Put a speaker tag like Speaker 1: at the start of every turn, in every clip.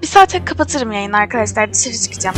Speaker 1: saate kapatırım yayını arkadaşlar. Dışarı çıkacağım.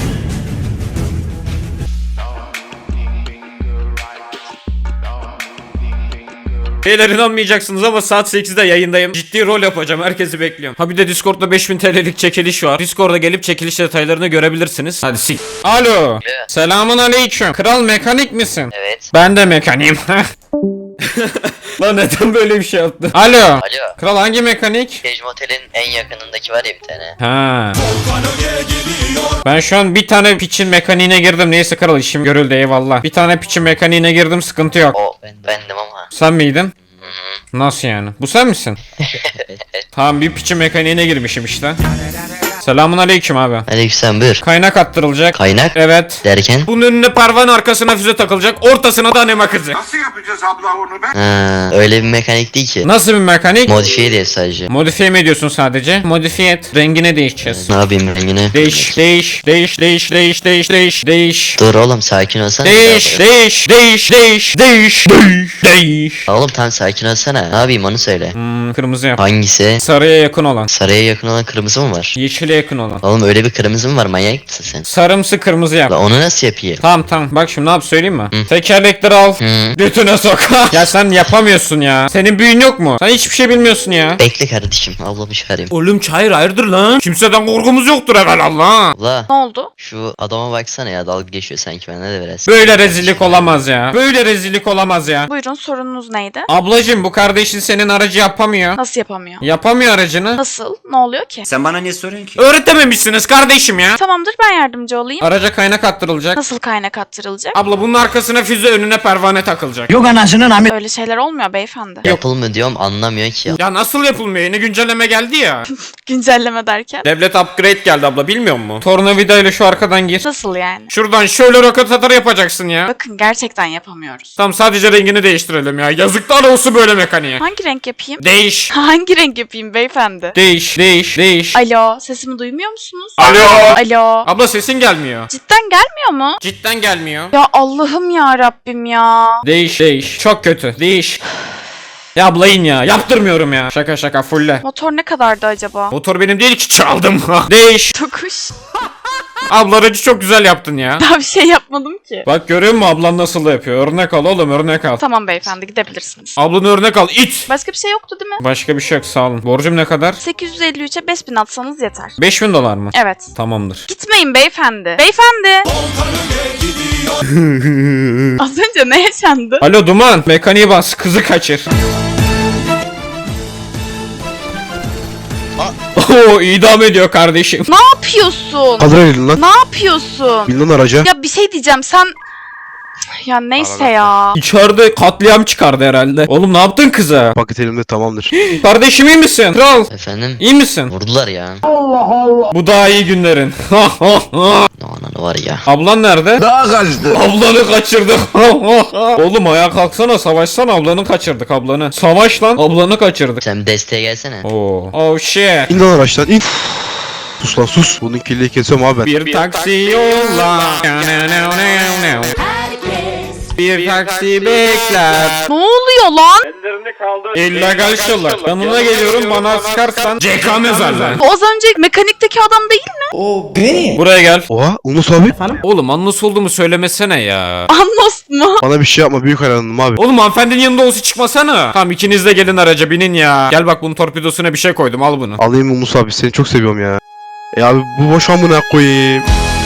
Speaker 2: Beyler inanmayacaksınız ama saat 8'de yayındayım. Ciddi rol yapacağım. Herkesi bekliyorum. Ha bir de Discord'da 5000 TL'lik çekiliş var. Discord'a gelip çekiliş detaylarını görebilirsiniz. Hadi sik. Alo. Selamun aleyküm. Kral mekanik misin?
Speaker 3: Evet.
Speaker 2: Ben de mekaniğim. Lan neden böyle bir şey yaptın? Alo.
Speaker 3: Alo.
Speaker 2: Kral hangi mekanik?
Speaker 3: Stage Motel'in en yakınındaki var ya bir tane.
Speaker 2: Ha. Ben şu an bir tane piçin mekaniğine girdim. Neyse kral işim görüldü eyvallah. Bir tane piçin mekaniğine girdim sıkıntı yok.
Speaker 3: O bendim ama.
Speaker 2: Sen miydin? Nasıl yani? Bu sen misin? Tamam bir piçin mekaniğine girmişim işte. Selamun aleyküm abi.
Speaker 3: Aleykümselam buyur.
Speaker 2: Kaynak attırılacak.
Speaker 3: Kaynak
Speaker 2: Evet.
Speaker 3: derken?
Speaker 2: Bunun önüne parvanın arkasına füze takılacak. Ortasına da anema kızı.
Speaker 4: Nasıl yapacağız abla onu be?
Speaker 3: Ha, öyle bir mekanik değil ki.
Speaker 2: Nasıl bir mekanik?
Speaker 3: Modifiye diye sadece.
Speaker 2: Modifiye mi ediyorsun sadece? Modifiye et. Rengine değişeceğiz.
Speaker 3: Ne yapayım rengini?
Speaker 2: Değiş.
Speaker 3: Dur oğlum sakin olsana.
Speaker 2: Değiş.
Speaker 3: Oğlum tam sakin olsana. Ne yapayım onu söyle.
Speaker 2: Kırmızı yap.
Speaker 3: Hangisi?
Speaker 2: Sarıya yakın olan.
Speaker 3: Saraya yakın olan kırmızı mı var?
Speaker 2: Yeşile yakın olan.
Speaker 3: Oğlum öyle bir kırmızı mı var, manyak mısın sen?
Speaker 2: Sarımsı kırmızı yap.
Speaker 3: La onu nasıl yapayım?
Speaker 2: Tamam bak şimdi ne yap söyleyeyim mi? Tekerlekleri al. Götüne sok. Ya sen yapamıyorsun ya. Senin büyün yok mu? Sen hiçbir şey bilmiyorsun ya.
Speaker 3: Bekle kardeşim, ablamı çıkarayım.
Speaker 2: Oğlum çayır hayırdır lan? Kimseden korkumuz yoktur evvelallah.
Speaker 3: La
Speaker 1: Ne oldu?
Speaker 3: şu adama baksana ya, dalga geçiyor sanki bende de biraz.
Speaker 2: Böyle rezillik olamaz ya. Böyle rezillik olamaz ya.
Speaker 1: Buyurun, sorununuz neydi?
Speaker 2: Ablacım bu kardeşin senin aracı yapamıyor.
Speaker 1: Nasıl yapamıyor?
Speaker 2: Yapamıyor aracını.
Speaker 1: Nasıl? Ne oluyor ki?
Speaker 5: Sen bana niye soruyorsun ki?
Speaker 2: Öğretememişsiniz kardeşim ya.
Speaker 1: Tamamdır, ben yardımcı olayım.
Speaker 2: Araca kaynak attırılacak.
Speaker 1: Nasıl kaynak attırılacak?
Speaker 2: Abla bunun arkasına füze önüne pervane takılacak.
Speaker 1: Öyle şeyler olmuyor beyefendi.
Speaker 3: Yapılmıyor diyorum, anlamıyor ki ya.
Speaker 2: Ya nasıl yapılmıyor? Yeni güncelleme geldi ya.
Speaker 1: Güncelleme derken?
Speaker 2: Devlet upgrade geldi abla bilmiyor musun? Tornavida ile şu arkadan gir.
Speaker 1: Nasıl yani?
Speaker 2: Şuradan şöyle roket atar yapacaksın ya.
Speaker 1: Bakın gerçekten yapamıyoruz.
Speaker 2: Tamam sadece rengini değiştirelim ya. Yazıklar olsun böyle mekaniğe.
Speaker 1: Hangi renk yapayım?
Speaker 2: Değiş.
Speaker 1: Hangi renk yapayım beyefendi?
Speaker 2: Değiş.
Speaker 1: Alo, sesimi duymuyor musunuz?
Speaker 2: Alo.
Speaker 1: Alo.
Speaker 2: Abla sesin gelmiyor.
Speaker 1: Cidden gelmiyor mu?
Speaker 2: Cidden gelmiyor.
Speaker 1: Ya Allah'ım ya Rabbim ya.
Speaker 2: Değiş. Çok kötü. Değiş. Ya abla in ya. Yaptırmıyorum ya. Şaka fulle.
Speaker 1: Motor ne kadardı acaba?
Speaker 2: Motor benim değil ki çaldım. Değiş.
Speaker 1: Tokuş.
Speaker 2: Abla aracı çok güzel yaptın ya.
Speaker 1: Daha bir şey yapmadım ki.
Speaker 2: Bak görüyor musun ablan nasıl da yapıyor? Örnek al oğlum örnek al.
Speaker 1: Tamam beyefendi, gidebilirsiniz.
Speaker 2: Ablanı örnek al it.
Speaker 1: Başka bir şey yoktu değil mi?
Speaker 2: Başka bir şey yok sağ olun. Borcum ne kadar?
Speaker 1: 853'e 5000 atsanız yeter.
Speaker 2: 5000 dolar mı?
Speaker 1: Evet.
Speaker 2: Tamamdır.
Speaker 1: Gitmeyin beyefendi. Beyefendi. Az önce ne yaşandı?
Speaker 2: Alo Duman. Mekaniği bas. Kızı kaçır. Oo idam ediyor kardeşim.
Speaker 1: Ne yapıyorsun?
Speaker 6: Kaldır elini lan.
Speaker 1: Ne yapıyorsun?
Speaker 6: Bin lan araca.
Speaker 1: Ya bir şey diyeceğim, sen... Ya neyse ya.
Speaker 2: İçeride katliam çıkardı herhalde. Oğlum ne yaptın kıza?
Speaker 6: Paket elimde tamamdır.
Speaker 2: Kardeşim iyi misin? Kral.
Speaker 3: Efendim?
Speaker 2: İyi misin?
Speaker 3: Vurdular ya.
Speaker 2: Bu daha iyi günlerin.
Speaker 3: Ananı var ya.
Speaker 2: Ablan nerede?
Speaker 6: Daha kaçtı.
Speaker 2: Ablanı kaçırdık. Oğlum ayağa kalksana savaşsana ablanı kaçırdık ablanı. Savaş lan ablanı kaçırdık.
Speaker 3: Sen bir desteğe gelsene.
Speaker 2: Oo. Oh shit.
Speaker 6: İn lan araçtan in. Sus lan sus. Bunun kirliyi kesiyorum abi ben.
Speaker 2: Bir taksi yolla. Bir taksi bekler.
Speaker 1: Ne oluyor lan?
Speaker 2: İllegal şıllar. Yanına geliyorum bana sıkarsan CK mezarlar.
Speaker 1: Bu az önce mekanikteki adam değil mi?
Speaker 2: Buraya gel.
Speaker 6: Oha Unus abi.
Speaker 2: Oğlum anlas olduğumu söylemesene ya.
Speaker 1: Anlos mu?
Speaker 6: Bana bir şey yapma, büyük hayranım abi.
Speaker 2: Oğlum hanımefendinin yanında olsa çıkmasana. Tamam ikiniz de gelin araca binin ya. Gel bak bunun torpidosuna bir şey koydum al bunu.
Speaker 6: Alayım Unus abi, seni çok seviyorum ya. Abi bu boş amına koyayım.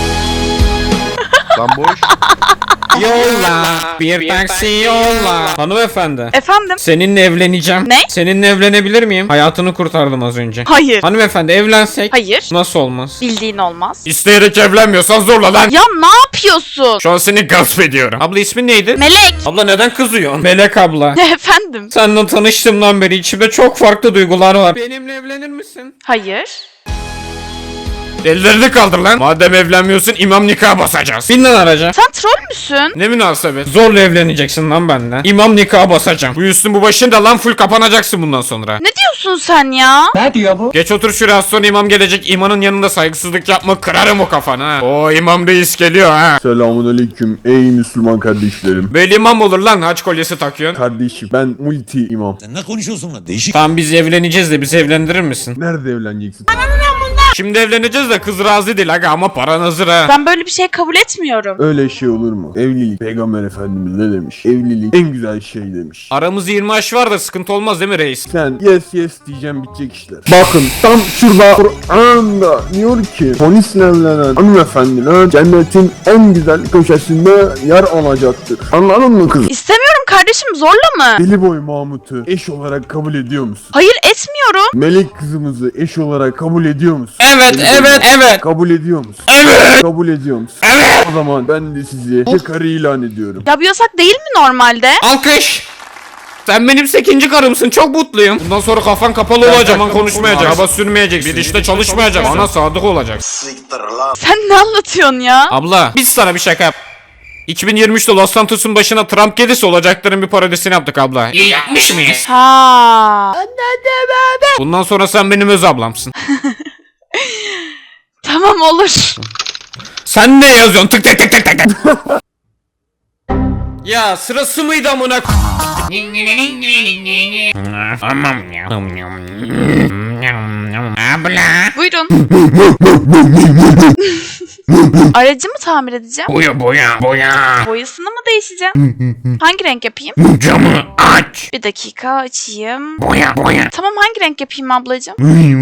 Speaker 6: Lan boş.
Speaker 2: Yolla. Bir taksi yolla. Hanımefendi.
Speaker 1: Efendim?
Speaker 2: Seninle evleneceğim.
Speaker 1: Ne?
Speaker 2: Seninle evlenebilir miyim? Hayatını kurtardım az önce.
Speaker 1: Hayır.
Speaker 2: Hanımefendi evlensek.
Speaker 1: Hayır.
Speaker 2: Nasıl olmaz?
Speaker 1: Bildiğin olmaz.
Speaker 2: İsteyerek evlenmiyorsan zorla lan.
Speaker 1: Ya ne yapıyorsun?
Speaker 2: Şu an seni gasp ediyorum. Abla ismin neydi?
Speaker 1: Melek.
Speaker 2: Abla neden kızıyorsun? Melek abla.
Speaker 1: Efendim?
Speaker 2: Seninle tanıştığımdan beri içimde çok farklı duygular var. Benimle evlenir misin?
Speaker 1: Hayır.
Speaker 2: Ellerini kaldır lan. Madem evlenmiyorsun imam nikahı basacağız. Bin lan araca.
Speaker 1: Sen troll müsün?
Speaker 2: Ne münasebet. Zorla evleneceksin lan benimle. İmam nikahı basacağım. Bu üstün bu başın da lan full kapanacaksın bundan sonra.
Speaker 1: Ne diyorsun sen ya?
Speaker 2: Geç otur şuraya az sonra imam gelecek. İmanın yanında saygısızlık yapma kırarım o kafanı ha. O imam reis geliyor ha.
Speaker 7: Selamünaleyküm ey Müslüman kardeşlerim.
Speaker 2: Böyle imam olur lan haç kolyesi takıyorsun.
Speaker 7: Kardeşim ben multi imam.
Speaker 5: Sen ne konuşuyorsun lan? Değişik.
Speaker 2: Tamam biz evleneceğiz de bizi evlendirir misin?
Speaker 7: Nerede evleneceksin?
Speaker 2: Şimdi evleneceğiz de kız razı değil aga ama paran hazır ha.
Speaker 1: Ben böyle bir şey kabul etmiyorum.
Speaker 7: Öyle şey olur mu? Evlilik. Peygamber Efendimiz ne demiş? Evlilik en güzel şey demiş.
Speaker 2: Aramız 20 yaş var da sıkıntı olmaz değil mi reis?
Speaker 7: Sen yes diyeceğim bitecek işler. Bakın tam şurada Kur'an'da diyor ki polisle evlenen hanımefendiler cennetin en güzel köşesinde yer alacaktır. Anladın mı kızım?
Speaker 1: İstemiyorum kardeşim, zorla mı?
Speaker 7: Deli boy Mahmut'u eş olarak kabul ediyor musun?
Speaker 1: Hayır, etmiyorum.
Speaker 7: Melek kızımızı eş olarak kabul ediyor musun?
Speaker 2: Evet, evet, evet.
Speaker 7: Kabul ediyor musun?
Speaker 2: Evet.
Speaker 7: Kabul ediyor musun?
Speaker 2: Evet.
Speaker 7: O zaman ben de sizi karı ilan ediyorum.
Speaker 1: Ya bu yasak değil mi normalde?
Speaker 2: Alkış. Sen benim 8. karımsın, çok mutluyum. Bundan sonra kafan kapalı olacak, aman konuşmayacak, araba sürmeyeceksin, bir işte çalışmayacak, bana sadık olacak.
Speaker 1: Sen ne anlatıyorsun ya?
Speaker 2: Abla, biz sana bir şaka yap. 2023'te Los Santos'un başına Trump gelirse olacakların bir parodisini yaptık abla. İyi yapmış mıyız?
Speaker 1: Ha.
Speaker 2: Bundan sonra sen benim öz ablamsın.
Speaker 1: Tamam, olur.
Speaker 2: Sen ne yazıyorsun? Tık tık tık tık tık. Ya sırası mıydı amına? Aman ya. Abla.
Speaker 1: Buyurun. Aracımı tamir edeceğim.
Speaker 2: Boya.
Speaker 1: Boyasını mı değişeceğim? Hangi renk yapayım?
Speaker 2: Camı aç.
Speaker 1: Bir dakika, açayım.
Speaker 2: Boya.
Speaker 1: Tamam, hangi renk yapayım ablacığım?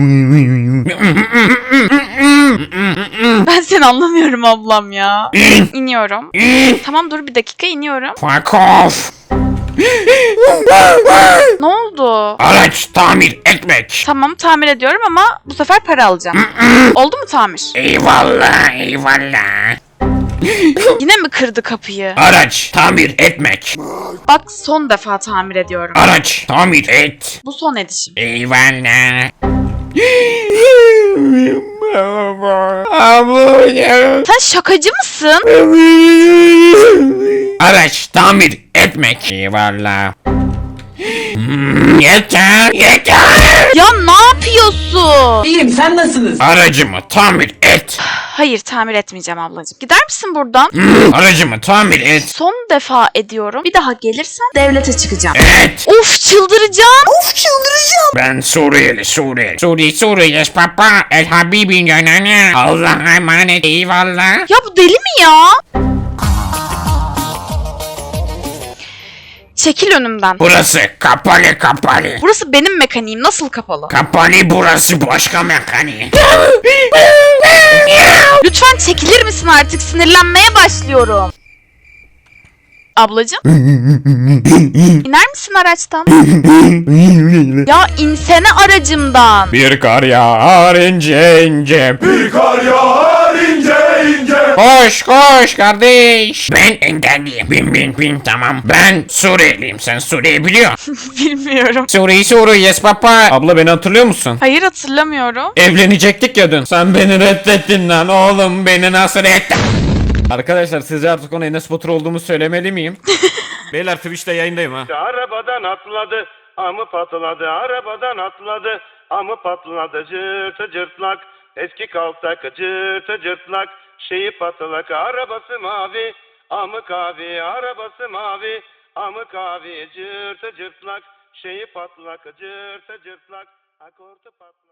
Speaker 1: Ben seni anlamıyorum ablam ya. İniyorum. Tamam, dur bir dakika, iniyorum.
Speaker 2: Fuck off.
Speaker 1: Ne oldu?
Speaker 2: Araç tamir etmek.
Speaker 1: Tamam, tamir ediyorum ama bu sefer para alacağım. Oldu mu tamir?
Speaker 2: Eyvallah.
Speaker 1: Yine mi kırdı kapıyı?
Speaker 2: Araç tamir etmek.
Speaker 1: Bak, son defa tamir ediyorum.
Speaker 2: Araç tamir et.
Speaker 1: Bu son edişim.
Speaker 2: Eyvallah. Abla.
Speaker 1: Sen şakacı mısın?
Speaker 2: Araç tamir etmek. Eyvallah. Yeter.
Speaker 1: Ya ne yapıyorsun?
Speaker 4: İyiyim, sen nasılsınız?
Speaker 2: Aracımı tamir et.
Speaker 1: Hayır, tamir etmeyeceğim ablacığım. Gider misin buradan?
Speaker 2: Aracımı tamir et.
Speaker 1: Son defa ediyorum. Bir daha gelirsen devlete çıkacağım.
Speaker 2: Et.
Speaker 1: Of, çıldıracağım.
Speaker 2: Ben Suriyeli. Suriye yes papa. El Habibin gönlüne. Allah'a emanet. Eyvallah.
Speaker 1: Ya bu deli mi ya? Çekil önümden.
Speaker 2: Burası kapalı.
Speaker 1: Burası benim mekaniğim. Nasıl kapalı?
Speaker 2: Kapalı burası başka mekaniği.
Speaker 1: Lütfen çekilir misin artık? Sinirlenmeye başlıyorum. Ablacığım? İner misin araçtan? Ya insene aracımdan.
Speaker 2: Bir kar yağar ince. Koş kardeş. Ben engelliyim. Bin tamam. Ben Suriyeliyim. Sen Suriye biliyorsun.
Speaker 1: Bilmiyorum.
Speaker 2: Suriye yes papa. Abla beni hatırlıyor musun?
Speaker 1: Hayır, hatırlamıyorum.
Speaker 2: Evlenecektik ya dün. Sen beni reddettin lan oğlum, beni nasıl reddettin? Arkadaşlar sizce artık ona Enes Batur olduğumu söylemeli miyim? Beyler Twitch'te yayındayım ha.
Speaker 5: Arabadan atladı, amı patladı, arabadan atladı, amı patladı, cırtı cırtlak, eski kaltak, cırtı cırtlak, şeyi patlak, arabası mavi, amı kavi, arabası mavi, amı kavi, cırtı cırtlak, şeyi patlak, cırtı cırtlak, akortu patlak.